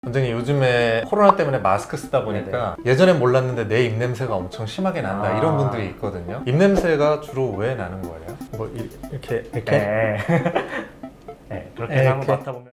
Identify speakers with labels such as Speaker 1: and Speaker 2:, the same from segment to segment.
Speaker 1: 원장님, 요즘에 코로나 때문에 마스크 쓰다 보니까 예전엔 몰랐는데 내 입냄새가 엄청 심하게 난다 이런 분들이 있거든요. 입냄새가 주로 왜 나는 거예요? 뭐 이렇게
Speaker 2: 네. 네, 그렇게 해서 한번 맡아보면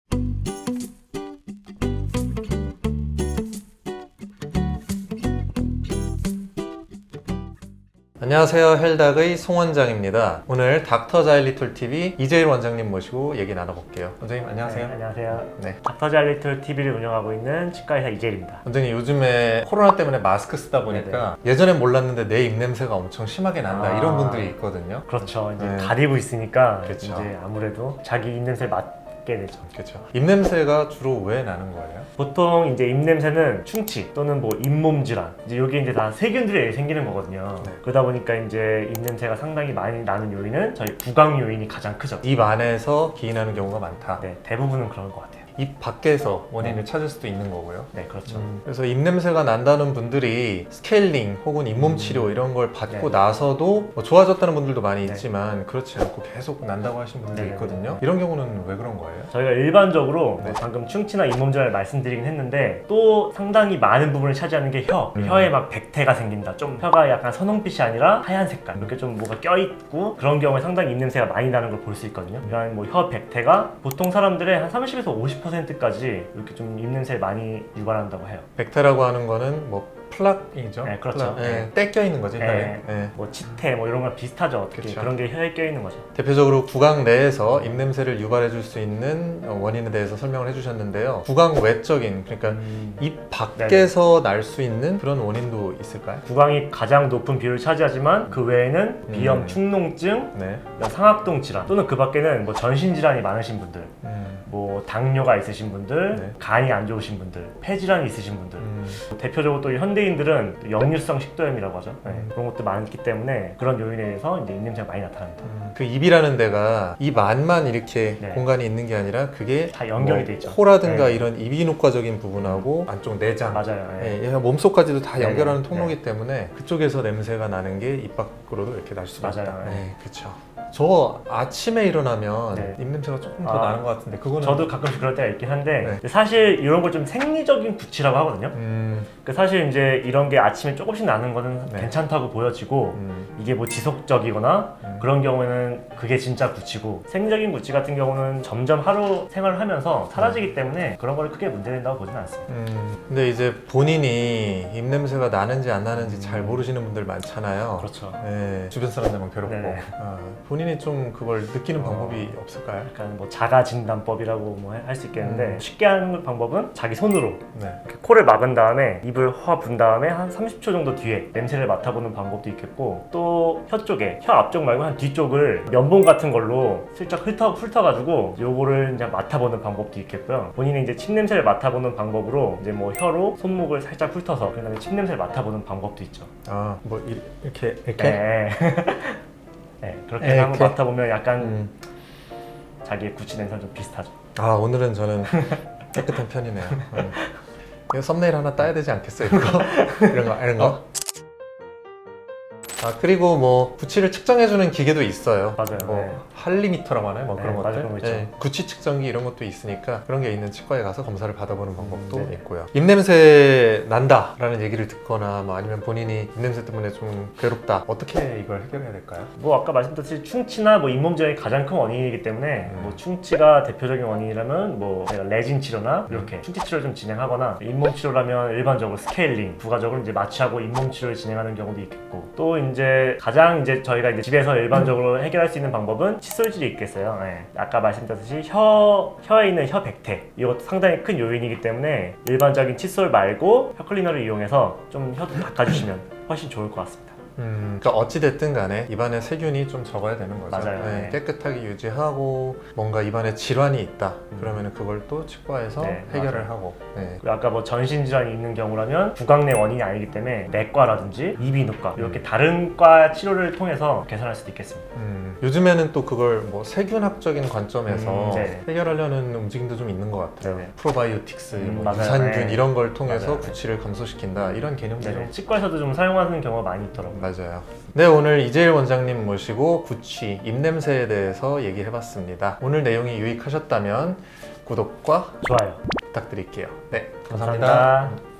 Speaker 1: 안녕하세요, 헬닥의 송 원장입니다. 오늘 닥터 자일리톨 TV 이재일 원장님 모시고 얘기 나눠볼게요. 원장님 안녕하세요.
Speaker 2: 네, 안녕하세요.
Speaker 1: 네.
Speaker 2: 닥터 자일리톨 TV를 운영하고 있는 치과의사 이재일입니다.
Speaker 1: 원장님, 요즘에 코로나 때문에 마스크 쓰다 보니까 예전엔 몰랐는데 내 입냄새가 엄청 심하게 난다 이런 분들이 있거든요.
Speaker 2: 그렇죠. 이제
Speaker 1: 네.
Speaker 2: 가리고 있으니까
Speaker 1: 그렇죠.
Speaker 2: 이제 아무래도 자기 입냄새 맡게 되죠.
Speaker 1: 그렇죠. 입냄새가 주로 왜 나는 거예요?
Speaker 2: 보통 이제 입냄새는 충치 또는 뭐 잇몸 질환, 이제 여기 이제 다 세균들이 생기는 거거든요.
Speaker 1: 네.
Speaker 2: 그러다 보니까 이제 입냄새가 상당히 많이 나는 요인은 저희 구강 요인이 가장 크죠.
Speaker 1: 입 안에서 기인하는 경우가 많다.
Speaker 2: 네, 대부분은 그런 것 같아요.
Speaker 1: 입 밖에서 원인을 찾을 수도 있는 거고요.
Speaker 2: 네, 그렇죠.
Speaker 1: 그래서 입냄새가 난다는 분들이 스케일링 혹은 잇몸 치료 이런 걸 받고
Speaker 2: 네.
Speaker 1: 나서도 뭐 좋아졌다는 분들도 많이
Speaker 2: 네.
Speaker 1: 있지만 그렇지 않고 계속 난다고 하시는 분들이
Speaker 2: 네.
Speaker 1: 있거든요. 이런 경우는 왜 그런 거예요?
Speaker 2: 저희가 일반적으로
Speaker 1: 네.
Speaker 2: 방금 충치나 잇몸 질환을 말씀드리긴 했는데 또 상당히 많은 부분을 차지하는 게 혀. 혀에 막 백태가 생긴다. 좀 혀가 약간 선홍빛이 아니라 하얀 색깔. 이렇게 좀 뭐가 껴있고 그런 경우에 상당히 입냄새가 많이 나는 걸 볼 수 있거든요. 이런 뭐 혀 백태가 보통 사람들의 한 30에서 50%까지 이렇게 좀 입냄새를 많이 유발한다고 해요.
Speaker 1: 백태라고 하는 거는 뭐 플락이죠?
Speaker 2: 네, 그렇죠.
Speaker 1: 플락. 떼껴 있는 거지, 혀에.
Speaker 2: 네.
Speaker 1: 네.
Speaker 2: 뭐 치태 뭐 이런 거랑 비슷하죠. 어떻게
Speaker 1: 그쵸.
Speaker 2: 그런 게 혀에 껴있는 거죠.
Speaker 1: 대표적으로 구강 내에서 입냄새를 유발해 줄 수 있는 원인에 대해서 설명을 해주셨는데요. 구강 외적인, 그러니까 입 밖에서 날 수 있는 그런 원인도 있을까요?
Speaker 2: 구강이 가장 높은 비율을 차지하지만 그 외에는 비염, 축농증,
Speaker 1: 네.
Speaker 2: 상악동 질환 또는 그 밖에는 뭐 전신 질환이 많으신 분들, 뭐 당뇨가 있으신 분들,
Speaker 1: 네.
Speaker 2: 간이 안 좋으신 분들, 폐질환이 있으신 분들, 대표적으로 또 현대인들은 또 역류성 식도염이라고 하죠. 네, 그런 것도 많기 때문에 그런 요인에 의해서 이제 입냄새가 많이 나타납니다.
Speaker 1: 그 입이라는 데가 입 안만 이렇게
Speaker 2: 네.
Speaker 1: 공간이 있는 게 아니라 그게
Speaker 2: 다 연결이 돼 있죠.
Speaker 1: 코라든가
Speaker 2: 네.
Speaker 1: 이런 이비인후과적인 부분하고 안쪽 내장,
Speaker 2: 맞아요. 네.
Speaker 1: 예, 몸속까지도 다
Speaker 2: 네,
Speaker 1: 연결하는
Speaker 2: 네,
Speaker 1: 통로이기 때문에 그쪽에서 냄새가 나는 게 입 밖으로도 이렇게 날 수가
Speaker 2: 맞아요.
Speaker 1: 있다.
Speaker 2: 네.
Speaker 1: 네, 그렇죠. 저 아침에 일어나면
Speaker 2: 네.
Speaker 1: 입냄새가 조금 더
Speaker 2: 아,
Speaker 1: 나는 것 같은데 그거는
Speaker 2: 저도 가끔씩 그럴 때가 있긴 한데
Speaker 1: 네.
Speaker 2: 사실 이런 걸 좀 생리적인 구취라고 하거든요. 그 사실 이제 이런 게 아침에 조금씩 나는 거는
Speaker 1: 네.
Speaker 2: 괜찮다고 보여지고 이게 뭐 지속적이거나 그런 경우에는 그게 진짜 구취고, 생리적인 구취 같은 경우는 점점 하루 생활을 하면서 사라지기 때문에 그런 걸 크게 문제된다고 보지는 않습니다.
Speaker 1: 근데 이제 본인이 입냄새가 나는지 안 나는지 잘 모르시는 분들 많잖아요.
Speaker 2: 그렇죠.
Speaker 1: 네, 주변 사람들만 괴롭고
Speaker 2: 네네.
Speaker 1: 본인이 좀 그걸 느끼는 방법이 없을까요?
Speaker 2: 약간 뭐 자가 진단법이라고 뭐 할 수 있겠는데 쉽게 하는 방법은 자기 손으로
Speaker 1: 네.
Speaker 2: 이렇게 코를 막은 다음에 입을 확 분 다음에 한 30초 정도 뒤에 냄새를 맡아보는 방법도 있겠고, 또 혀 쪽에, 혀 앞쪽 말고 한 뒤쪽을 면봉 같은 걸로 슬쩍 훑어가지고 요거를 이제 맡아보는 방법도 있겠고요. 본인이 이제 침 냄새를 맡아보는 방법으로 이제 뭐 혀로 손목을 살짝 훑어서 그다음에 침 냄새를 맡아보는 방법도 있죠.
Speaker 1: 아, 뭐 이렇게
Speaker 2: 네. 네, 그렇게
Speaker 1: 네,
Speaker 2: 한번
Speaker 1: 이렇게?
Speaker 2: 맡아보면 약간 자기의 구취 냄새랑 좀 비슷하죠.
Speaker 1: 아, 오늘은 저는 깨끗한 편이네요. 이거 썸네일 하나 따야 되지 않겠어요? 이거? 이런 거? 아, 그리고 뭐 구취를 측정해주는 기계도 있어요.
Speaker 2: 맞아요.
Speaker 1: 뭐
Speaker 2: 네.
Speaker 1: 할리미터라고 하나요? 뭐
Speaker 2: 네,
Speaker 1: 그런
Speaker 2: 맞아요.
Speaker 1: 것들.
Speaker 2: 그런 거 있죠.
Speaker 1: 구취 측정기 이런 것도 있으니까 그런 게 있는 치과에 가서 검사를 받아보는 방법도
Speaker 2: 네네.
Speaker 1: 있고요. 입냄새 난다라는 얘기를 듣거나 뭐 아니면 본인이 입냄새 때문에 좀 괴롭다. 어떻게 이걸 해결해야 될까요?
Speaker 2: 뭐 아까 말씀드렸듯이 충치나 뭐 잇몸 질환이 가장 큰 원인이기 때문에 뭐 충치가 대표적인 원인이라면 뭐 내가 레진 치료나 이렇게 충치 치료를 좀 진행하거나, 잇몸 치료라면 일반적으로 스케일링, 부가적으로 이제 마취하고 잇몸 치료를 진행하는 경우도 있겠고, 또 이제 가장 이제 저희가 이제 집에서 일반적으로 해결할 수 있는 방법은 칫솔질이 있겠어요. 네. 아까 말씀드렸듯이 혀에 있는 혀 백태, 이것도 상당히 큰 요인이기 때문에 일반적인 칫솔 말고 혀 클리너를 이용해서 좀 혀도 닦아주시면 훨씬 좋을 것 같습니다.
Speaker 1: 그러니까 어찌됐든 간에 입안에 세균이 좀 적어야 되는 거죠.
Speaker 2: 맞아요.
Speaker 1: 네,
Speaker 2: 네.
Speaker 1: 깨끗하게 유지하고 뭔가 입안에 질환이 있다. 그러면 그걸 또 치과에서
Speaker 2: 네,
Speaker 1: 해결을
Speaker 2: 맞아요.
Speaker 1: 하고. 네.
Speaker 2: 그리고 아까 뭐 전신 질환이 있는 경우라면 구강 내 원인이 아니기 때문에 내과라든지 이비인후과 이렇게 다른 과 치료를 통해서 개선할 수도 있겠습니다.
Speaker 1: 요즘에는 또 그걸 뭐 세균학적인 관점에서
Speaker 2: 네.
Speaker 1: 해결하려는 움직임도 좀 있는 것 같아요.
Speaker 2: 네네.
Speaker 1: 프로바이오틱스, 뭐
Speaker 2: 맞아요.
Speaker 1: 유산균
Speaker 2: 네.
Speaker 1: 이런 걸 통해서
Speaker 2: 맞아요.
Speaker 1: 구취를 감소시킨다 이런 개념도
Speaker 2: 네네.
Speaker 1: 좀
Speaker 2: 치과에서도 좀 사용하는 경우가 많이 있더라고요.
Speaker 1: 맞아요. 네, 오늘 이재일 원장님 모시고 구취, 입냄새에 대해서 얘기해봤습니다. 오늘 내용이 유익하셨다면 구독과
Speaker 2: 좋아요.
Speaker 1: 부탁드릴게요. 네,
Speaker 2: 감사합니다.